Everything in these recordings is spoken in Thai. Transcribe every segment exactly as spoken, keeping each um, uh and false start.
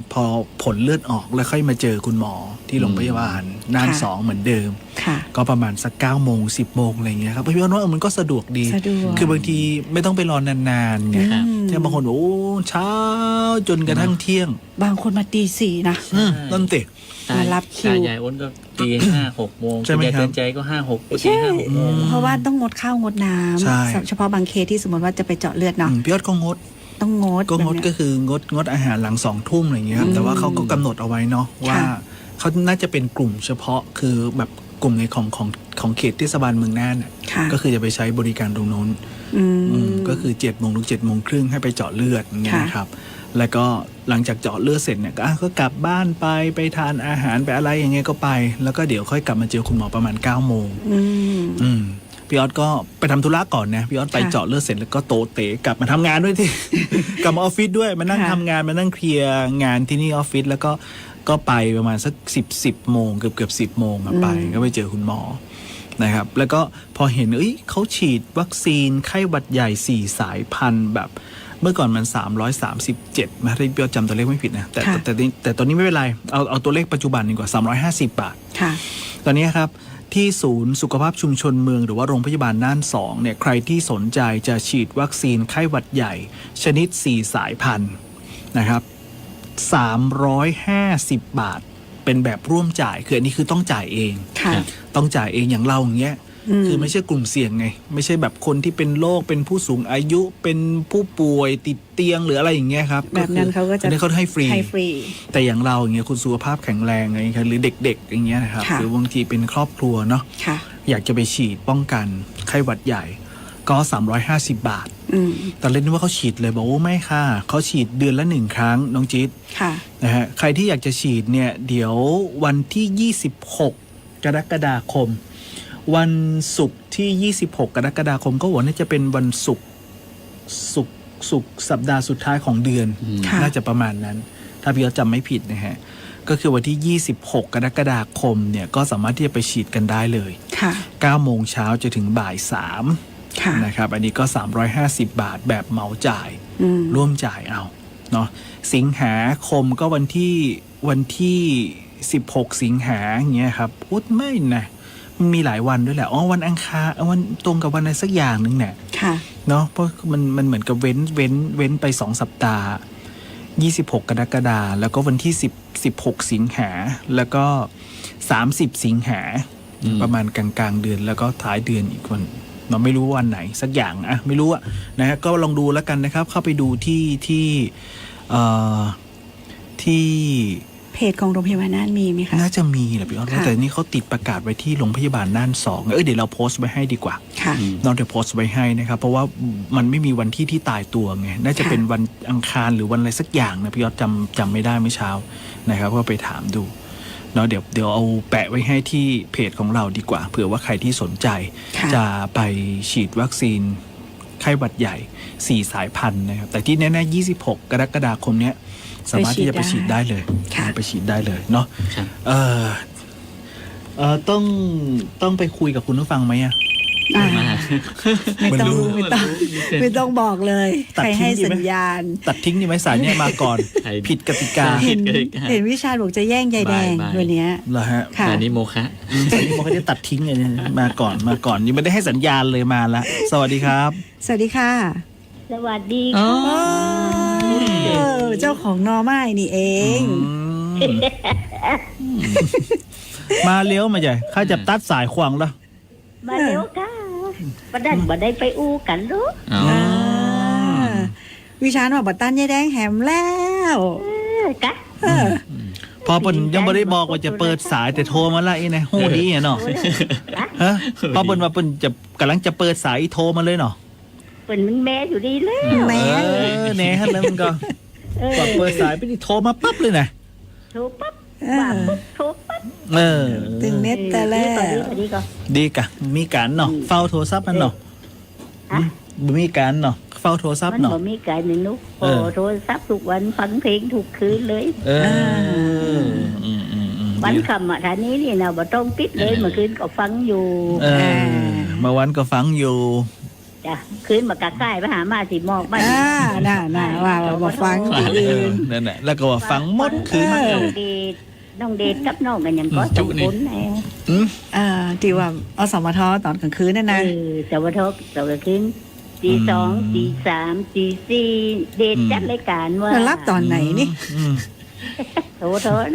พอผลเลือดออกแล้วค่อยมาเจอคุณหมอที่โรงพยาบาลน่านสองเหมือนเดิมก็ประมาณสักเก้าโมงสิบโมงอะไรเงี้ยครับพี่ว่ามันก็สะดวกดีคือบางทีไม่ต้องไปรอนานๆไงแต่บางคนโอ้เช้าจนกระทั่งเที่ยงบางคนมาตีสี่นะนั่นติมารับคิวตายายอ้นก็ตีห้าหกโมงคุณยายเตือนใจก็ห้าหกตีห้าหกโมงเพราะว่าต้องงดข้าวงดน้ำเฉพาะบางเคสที่สมมติว่าจะไปเจาะเลือดเนาะพี่ยอดก็งดต้องงดก็งดก็คืองดงดอาหารหลังสองทุ่มอะไรเงี้ยครับแต่ว่าเขาก็กำหนดเอาไว้เนาะว่าเขาน่าจะเป็นกลุ่มเฉพาะคือแบบกลุ่มในของของของเขตเทศบาลเมืองน่านก็คือจะไปใช้บริการตรงโน้นก็คือเจ็ดโมงถึงเจ็ดโมงครึ่งให้ไปเจาะเลือดอย่างเงี้ยครับแล้วก็หลังจากเจาะเลือดเสร็จเนี่ยก็กลับบ้านไปไปทานอาหารไปอะไรอย่างเงี้ยก็ไปแล้วก็เดี๋ยวค่อยกลับมาเจอคุณหมอประมาณเก้าโมงอืมพี่ออสก็ไปทำธุระก่อนนะพี่ออสไปเจาะเลือดเสร็จแล้วก็โตเตะกลับมาทำงานด้วยที่กลับมาออฟฟิศด้วยมานั่งทำงานมานั่งเคลียร์งานที่นี่ออฟฟิศแล้วก็ก็ไปประมาณสักสิบสิบโมงเกือบเกือบสิบโมงไปก็ไปเจอคุณหมอนะครับแล้วก็พอเห็นเอ้ยเขาฉีดวัคซีนไข้หวัดใหญ่สี่สายพันธุ์แบบเมื่อก่อนมันสามร้อยสามสิบเจ็ดมาถ้าพี่ออสจำตัวเลขไม่ผิดนะแต่แต่แต่ตอนนี้ไม่เป็นไรเอาเอาตัวเลขปัจจุบันดีกว่าสามร้อยห้าสิบบาทตอนนี้ครับที่ศูนย์สุขภาพชุมชนเมืองหรือว่าโรงพยาบาลน่านสองเนี่ยใครที่สนใจจะฉีดวัคซีนไข้หวัดใหญ่ชนิดสี่สายพันธุ์นะครับสามร้อยห้าสิบบาทเป็นแบบร่วมจ่ายคืออันนี้คือต้องจ่ายเองต้องจ่ายเองอย่างเราอย่างเงี้ยคือไม่ใช่กลุ่มเสี่ยงไงไม่ใช่แบบคนที่เป็นโรคเป็นผู้สูงอายุเป็นผู้ป่วยติดเตียงหรืออะไรอย่างเงี้ยครับแบบนั้นเขาก็จะเขาให้ฟรีแต่อย่างเราอย่างเงี้ยคุณสุขภาพแข็งแรงอะไรอย่างเงี้ยหรือเด็กๆอย่างเงี้ยนะครับหรือบางทีเป็นครอบครัวเนาะอยากจะไปฉีดป้องกันไข้หวัดใหญ่ก็สามร้อยห้าสิบบาทแต่เล่นว่าเขาฉีดเลยบอกว่าไม่ค่ะเขาฉีดเดือนละหนึ่งครั้งน้องจิ๊ดนะฮะใครที่อยากจะฉีดเนี่ยเดี๋ยววันที่ยี่สิบหกกรกฎาคมวันศุกร์ที่ยี่สิบหกกรกฎาคมก็ว่าน่าจะเป็นวันศุกร์ศุกร์ศุกร์สัปดาห์สุดท้ายของเดือนน่าจะประมาณนั้นถ้าพี่เขาจำไม่ผิดนะฮะก็คือวันที่ยี่สิบหกกรกฎาคมเนี่ยก็สามารถที่จะไปฉีดกันได้เลยเก้าโมงเช้าจะถึงบ่ายสามนะครับอันนี้ก็สามร้อยห้าสิบบาทแบบเหมาจ่ายร่วมจ่ายเอาเนาะสิงหาคมก็วันที่วันที่สิบหกสิงหาอย่างเงี้ยครับพูดไม่นะมีหลายวันด้วยแหละอ๋อวันอังคารวันตรงกับวันอะไรสักอย่างหนึ่งเนี่ยเนาะเพราะมันมันเหมือนกับเว้นเว้นเว้นไปสองสัปดาห์ยี่สิบหกกรกฎาคมแล้วก็วันที่สิบ สิบหกสิงหาแล้วก็สามสิบสิงหาประมาณกลางๆเดือนแล้วก็ท้ายเดือนอีกวันเราไม่รู้วันไหนสักอย่างอะไม่รู้อะนะฮะก็ลองดูแล้วกันนะครับเข้าไปดูที่ที่เอ่อที่เพจของโรงพยาบาลน่านมีไหมคะน่าจะมีแหละพี่อ้อแต่นี่เขาติดประกาศไว้ที่โรงพยาบาลน่านสองเออเดี๋ยวเราโพสต์ไว้ให้ดีกว่าเราเดี๋ยวโพสต์ไว้ให้นะครับเพราะว่ามันไม่มีวันที่ที่ตายตัวไงน่าจะเป็นวันอังคารหรือวันอะไรสักอย่างนะพี่อ้อจำจำไม่ได้เมื่อเช้านะครับก็ไปถามดูเนาะเดี๋ยวเดี๋ยวเอาแปะไว้ให้ที่เพจของเราดีกว่าเผื่อว่าใครที่สนใจจะไปฉีดวัคซีนไข้หวัดใหญ่สี่สายพันธุ์นะครับแต่ที่แน่ๆยี่สิบหกกรกฎาคมเนี้ยสามารถที่จะไปฉีดได้เลยไปฉีดได้เลยเนาะเออเออต้องต้องไปคุยกับคุณผู้ฟังไหมอ่ะไม่ต้องไม่ต้องไม่ต้องบอกเลยใครให้สัญญาณตัดทิ้งดีไหมสายเนี่ยมาก่อนผิดกติกาเห็นเห็นวิชาบอกจะแย่งใยแดงวันนี้เหรอฮะสายนี้โมคะสายนี้โมคะจะตัดทิ้งเลยมาก่อนมาก่อนยังไม่ได้ให้สัญญาณเลยมาละสวัสดีครับสวัสดีค่ะสวัสดีค่ะเจ้าของนอไม้นี่เองมาเลี้ยวมาใหญ่ข้าจะตัดสายขวางแล้วมาเลี้ยวค่ะประดันบัได้ไปอู้กันรู้วิชาหนอบัตตันยายแดงแหมแล้วกะพอปุ่นยังไม่ได้บอกว่าจะเปิดสายแต่โทรมาละไอ้นะหูดีเนาะฮะพอปุ่นว่าปุ่นจะกำลังจะเปิดสายโทรมาเลยเนาะปุ่นมันแม่อยู่ดีแล้วแม่แน่ฮะแล้วมันก็ก่อนเปิดสายไปนี่โทรมาปั๊บเลยนะโทรปั๊บว่าปุ๊บโทรปั๊บเออตึงเน็ตแต่แล้วดีกะมีการเนาะเฝ้าโทรศัพท์มันเนาะมีการเนาะเฝ้าโทรศัพท์เนาะมันมีการหนึ่งนุ๊กโอ้โทรศัพท์ทุกวันฟังเพลงทุกคืนเลยเออวันคำอ่ะท่านี้นี่นะบ่ต้องปิดเลยเมื่อคืนก็ฟังอยู่เมื่อวันก็ฟังอยู่จ้ะคืนมากะใกล้ไปหามาสิหมอกบ้านอ่าน่าน่าว่าบอกฟังที่อื่นนั่นแหละแล้วก็ว่าฟังหมดคืนเออน้องเดชน้องเดชกับน้องกันยังก็สองคนแน่อืมอ่าที่ว่าอสมทตอนกลางคืนนั่นเอนะอสวัสดีสวัสดีคืนตีสองตีสามตีสี่เดชจัดรายการว่าแล้วรับตอนไหนนี่อืมโถโถนะ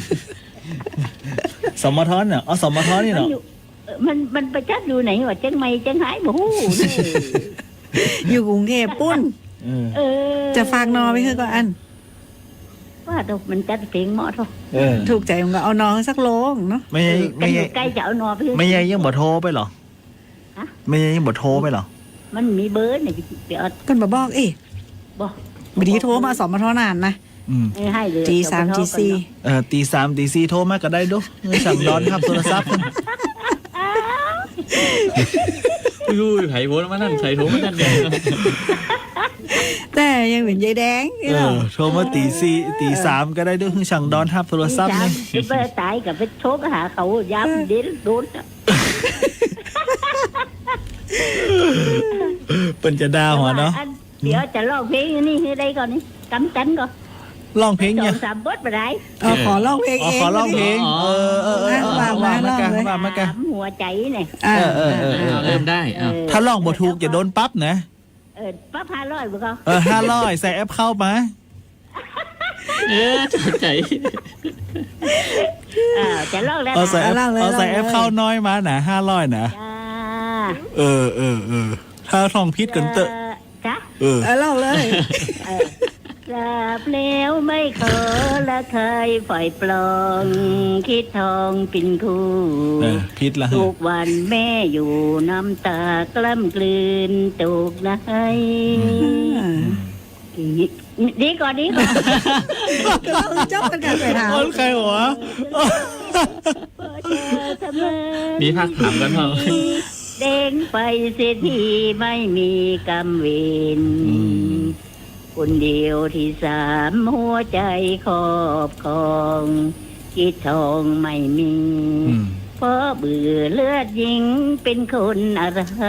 สมทอนเนี่ยอ๋อสมทอนนี่มันเนาะอยู่เอ่อมันมันไปจัดอยู่ไหนวะเชียงใหม่เชียงรายบ่ฮู้นี่อยู่กรุงเทพปุ้นเออเออจะฝากนอไปคือก็อันว่าตกมันจัดเพลงเหมาะเท่าเออถูกใจมันก็เอานอสักโลงเนาะไม่ใช่กัไม่นอใช่ยู่ใกล้จะเอานอไปเถอะไม่ใช่ยังบ่โทรไปเหรอฮะไม่ใช่ยังบ่โทรไปเหรอมันมีเบอร์เนี่ยไปเอากันมาบอกเอ๊ะบ่บดีโทรมาสมทนานนะอืมเออให้เลยจีสามจีสี่เออตีสามตีสี่โทรมาก็ได้ดูเงินสั่งร้อนครับโทรศัพท์มันรู้ไผ่โพสมานั่นไผ่โทรมานั่นเนี่ยแต่ยังเป็นยายแดงเออโทรมาตีสี่ตีสามก็ได้ดูเงินสั่งร้อนครับโทรศัพท์จีนี่สามไปตายกับไปโทรไปหาเขาย้ำเด็ดโดนอะเปิ่นจะด่าหัวเนาะอัเดี๋ยวจะร้องเพลงนี่ให้ได้ก่อนนี่กำจันก่อนร้องเพลงสอเนี่ยงสามบทไปได้เอาขอร้องเพลงอ๋อเองขอร้องเพลงอ๋อเออเออเออเออว่ามาว่ามากันร้องเลยว่ามากันสามหัวใจเนี่ยอ่าเออเออเออเอาเริ่มได้เอาถ้าร้องบ่ถูกอย่าโดนปั๊บนะเออป้าพาร้อยบุกเอาเออห้าร้อยใส่แอปเข้ามาเออถูกใจเออจะร้องแล้วเอาใส่นะแอปเอาใส่แอปเข้าน้อยมานะห้าร้อยนะจ้าเออเออเออถ้าท่องพิษกันเตอะจ้าเออเอาเล่าเลยเออทราบแล้วไม่ขอละเคยปล่อยปลองคิดทองเป็นคู่เออพิษละทุกวันแม่อยู่น้ำตากล้ำกลืนตุกนะให้ดีก่อนดีก่อนก็เราเจ้ากันกันไปถามคนใครหัวมีภาคถามกันเถอะเด้งไปเสียทีไม่มีกำเวนคนเดียวที่สามหัวใจครอบครองคิดทองไม่มีอืมเพราะเบื่อเลือดหญิงเป็นคนอะไร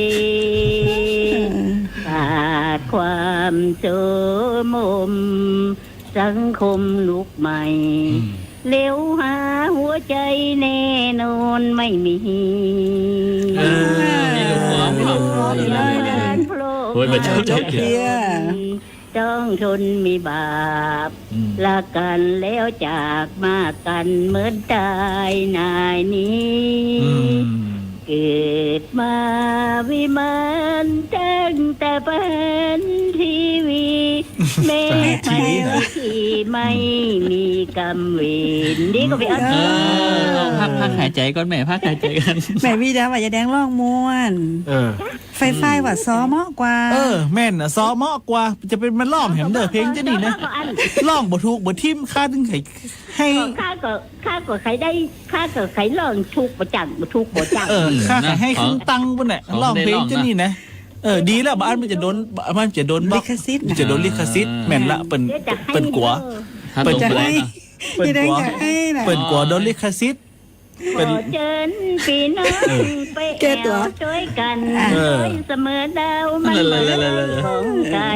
ขาดความโสมมสังคมลุกใหม่เลี้ยวหาหัวใจแน่นอนไม่มีเออมีลูกหัวมีลูกหัวมีลูกหัวการโผล่โอ้ยมันชอบจบเพียต้องทนมีบาปอืมละกันแล้วจากมากันเหมือนตายนายนี้อืมเกิดมาวิมานตั้งแต่เป็นทีวีแม่ไม่ที่ไม่มีกำเวนดีก็ไปเอาเออเอาพักพักหายใจก่อนแม่พักหายใจกันแม่พี่ดาว่ายายแดงร้องม่วนเออไฟไฟว่าซ้อเหมาะกว่าเออ แม่นอะซอเหมาะกว่า จะเป็นมันร้องแหมเด้อเพลงจะนี่นะร้องบ่ถูกบ่ทิมค่าถึงไห้ให้ข้าก็ข้าก็ใครได้ข้าก็ใครลองทุกประจังทุกประจังเออค่าให้ครึ่งตังค์ปุ่นน่ะร้องเพลงจะนี่นะเออดีแล้วบ้านมันจะโดนบ้านจะโดนบล็ลิอกขสิทธิ์นะจะโดนลิขสิทธิ์แม่นละเปิ้นเดี๋ยวจะให้เปิ้นกลัวถ้าเปิตดรงจะไปให้เปิ้นยายแดกงลัวจะให้นะเปิ้นกลัวโดนลิขสิทธิ์ขเป็นอเชิญพี่น้องไปแอแก้ตัววช่วยกันเออช่วยเสมอดาวมันเหมือนของไก่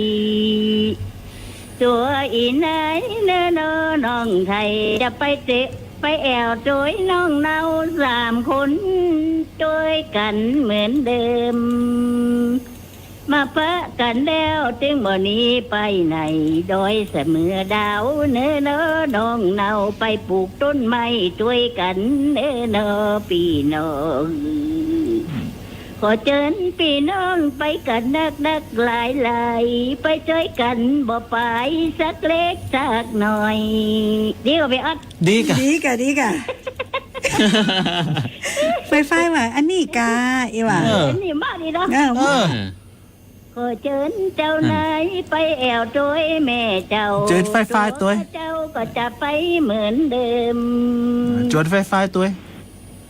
ตัวอีไหนเน้อน้องไทยจะไปเตะไปแอวช่วยน้องเนาสามคนช่วยกันเหมือนเดิม มาปะกันแล้วจึงบ่หนี้ไปไหนโดยเสมอดาวเนื้อเนอน้องเนาไปปลูกต้นไม้ช่วยกันเนื้อเนอพี่น้องขอเชิญพี่น้องไปกันนักนักหลายหลายไปช่วยกันบ่ไปสักเล็กสักหน่อยดีกว่าไปอัดดีกะดีกะดีกะไฟไฟว่าอันนี้กาอีว่าเอออันนี้มากดีเนาะเออเออขอเชิญเจ้านายไปแอวตัวยแม่เจ้าเชิญไฟฟ้าตัวเจ้าก็จะไปเหมือนเดิมจวนไฟฟ้าตัว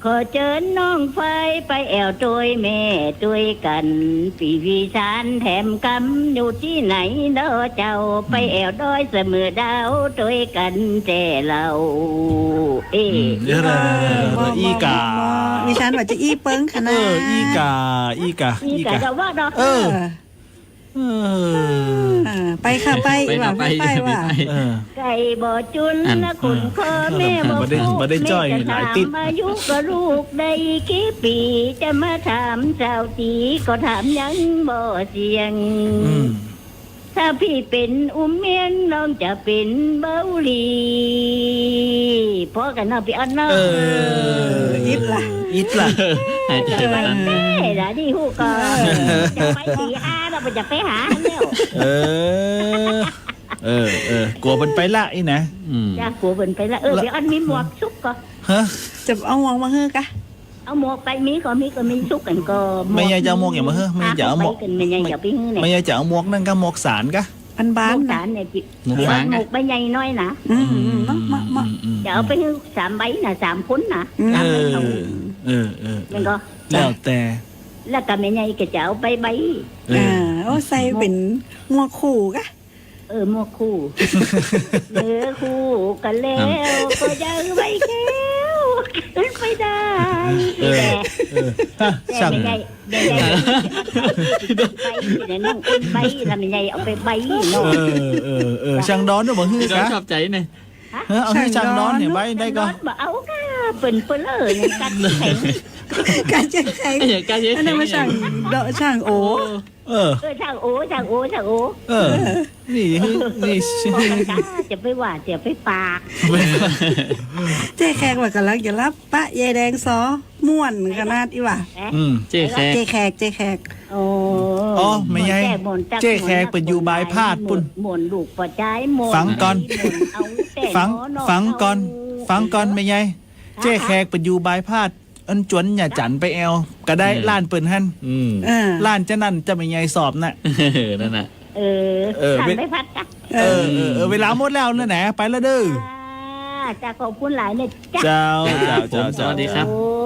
ขอเชิญน้องไฟไปแอวตัวยแม่ตัวยกันปีวีชานแถมกำอยู่ที่ไหนเด้อเจ้าไปแอวดอยเสมอดาวตัวยกันแจเราเอเดี๋ยวนะอีกาดิฉันว่าจะอีเปิ้งขเอนาดออีกาอีกานี่อีกะกาก็ว่าดอกเออ เออเออไปค่ะไปไปว่าไปไปไปว่าเออไก่บ่อจุนนะคุณพ่อแม่บ่บ่ได้พูดบ่ได้จ้อยแม่จะหลายถามติดอายุก็ลูกได้กี่ปีจะมาถามเจ้าจีก็ถามยังบ่เสียงอืมถ้าพี่เป็นอุ้มเมียนน้องจะเป็นเบาหลีพอกันเนาะพี่อันเนาะเอออิดล่ะอิดล่ะหายใจจะไปบ้างเต้ละนี่ฮู้ก็จะไปตีอาเราไปจะไปหาแล้วเออ เออเออกลัวมันไปละอีนะอืมจ้ากลัวเพิ่นไปละเออพี่อันมีหมวกซุกก็ฮะจะเอาหวงมาเฮ้อกะเอาหมวกไปมีก็มีก็มีซุกกันก็ไม่อยากจะเอาหมวกอย่างมาเฮ้อไม่อยากจะเอาหมวกกันไม่อยากจะไปฮื้อเนี่ยไม่อยากจะเอาหมวกนั่นก็หมวกสารกะพันบ้าบ้าน นนะสารเนี่ยพี่หมุกพี่ฟาอังนหมอะวกใบใหญ่น้อยนะอืมอืมมามามาอืมจะเอาไปฮื้อสามใบน่ะสามพ้นน่ะอืมเอสามใบอเอาเออเออมันก็แล้วแต่แล้วก็แม่ใหญ่ก็จะเอาไปใบเออ่าอโอ้ใส่เป็นหมวกขู่กะเออหมวกคู่เนื้อคู่กันแล้วก็ยังไม่แก้วขึ้นไปได้เออแต่เออฮะแต่ช่างไม่ใหญ่ไม่ใหญ่ไปเนี่ยน้องอุ้นใบแล้วไม่ใหญ่เอาไปใบเนาะเออเออเออช่างดอนด้วยบ่ฮื้อเรากะชอบใจเนี่ยเออเอาให้ช่างดอนเห็นไว้ได้ก็บ่เอาค่ะเปิ่นเปิ่นเออเนี่ยกัดแข็งการจะใครไอ้อย่างการเยอะอันนั้นมาช่างเดาะช่างโอเออเออช่างโอ้ช่างโอ้ช่างโอ้เออ นี่ฮื้อนี่บอกกันจ้าจะไปว่าจะไปปากเจ๊แขกว่ากำลังจะรับปะยายแดงซอม่วนขนาดอีว่านะอืมเจ๊แขกเจ๊แขกเจ๊แขกโอ้อ๋อไม่ใหญ่เจ๊แขกเป็นอยู่บายพาดปุ่นหมุนลูกปอใจหมุนฟังก่อนหมุเอาแต่ฟังหมอนอกฟังก่อนเอาฟังก่อนไม่ใหญ่เจ๊แขกไปอยู่บายพาดอันจวนอย่าจันไปแอลก็ได้ล้านเปิ่นหั่นอืมเออล้านจะนั่นจะไม่ใหญ่สอบน่ะเออนั่นน่ะเออเออขันเว้ยไม่พัดจ้ะเอเอออเออเออเวลาหมดแล้วนะแหนะไปแล้วเด้อจ้าจะขอบคุณหลายเนี่ยจ้ะเจ้าเจ้าเจ้าสเจ้าวัสดีครับโอ้